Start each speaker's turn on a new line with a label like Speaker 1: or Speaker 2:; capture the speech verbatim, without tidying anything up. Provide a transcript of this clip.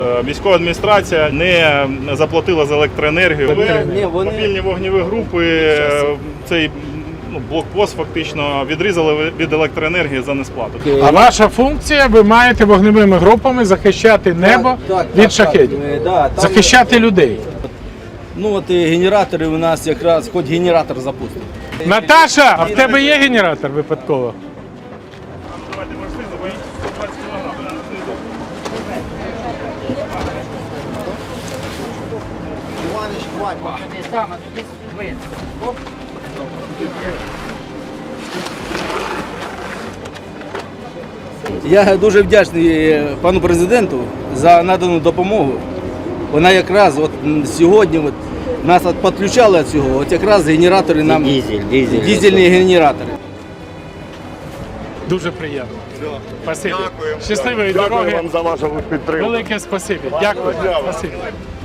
Speaker 1: Військова адміністрація не заплатила за електроенергію.
Speaker 2: Ні, вони...
Speaker 1: Мобільні вогневі групи цей ну, блокпост фактично відрізали від електроенергії за несплату.
Speaker 3: А ваша функція, ви маєте вогневими групами захищати небо
Speaker 2: Так, так,
Speaker 3: від
Speaker 2: так,
Speaker 3: шахедів,
Speaker 2: так. Да, там...
Speaker 3: захищати людей.
Speaker 2: Ну от і генератори у нас якраз, хоч генератор запустимо.
Speaker 3: Наташа, а в тебе є генератор випадково?
Speaker 2: Я дуже вдячний пану президенту за надану допомогу. Вона якраз от сьогодні от нас от підключали від цього, от якраз генератори нам,
Speaker 4: Дизель, дизель.
Speaker 2: дизельні генератори.
Speaker 3: Дуже приємно. Спасибі.
Speaker 1: Дякую.
Speaker 3: Щасливої
Speaker 1: Дякую
Speaker 3: дороги.
Speaker 1: вам за вашу підтримку.
Speaker 3: Велике спасибі. Дякую.
Speaker 1: Дякую.
Speaker 3: Спасибі.